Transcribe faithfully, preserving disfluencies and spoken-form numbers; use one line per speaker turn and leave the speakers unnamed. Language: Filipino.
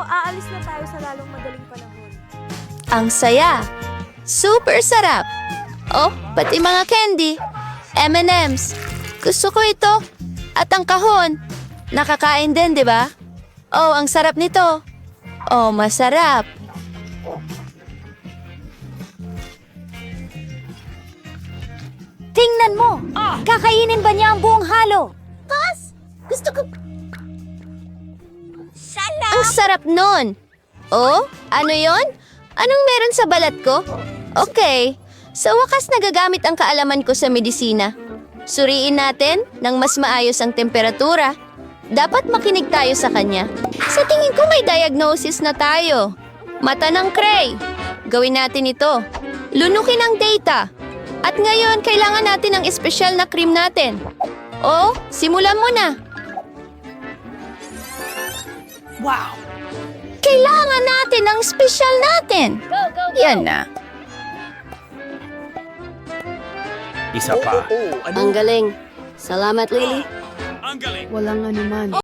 aalis na tayo sa lalong madaling panahon.
Ang saya. Super sarap. Oh, pati mga candy. M and M's. Gusto ko ito. At ang kahon. Nakakain din, di ba? Oh, ang sarap nito. Oh, masarap.
Tingnan mo! Kakainin ba niya ang buong halo? Pas! Gusto ko...
Ang sarap nun. Oh, ano yon? Anong meron sa balat ko? Okay. Sa wakas nagagamit ang kaalaman ko sa medisina. Suriin natin nang mas maayos ang temperatura. Dapat makinig tayo sa kanya. Sa tingin ko may diagnosis na tayo. Mata ng Cray. Gawin natin ito. Lunukin ang data. At ngayon, kailangan natin ng espesyal na cream natin. Oh, simulan mo na.
Wow!
Kailangan natin ng espesyal natin. Yan na.
Isa pa.
Ang galing. Salamat, Lily.
Ang galing.
Walang anuman.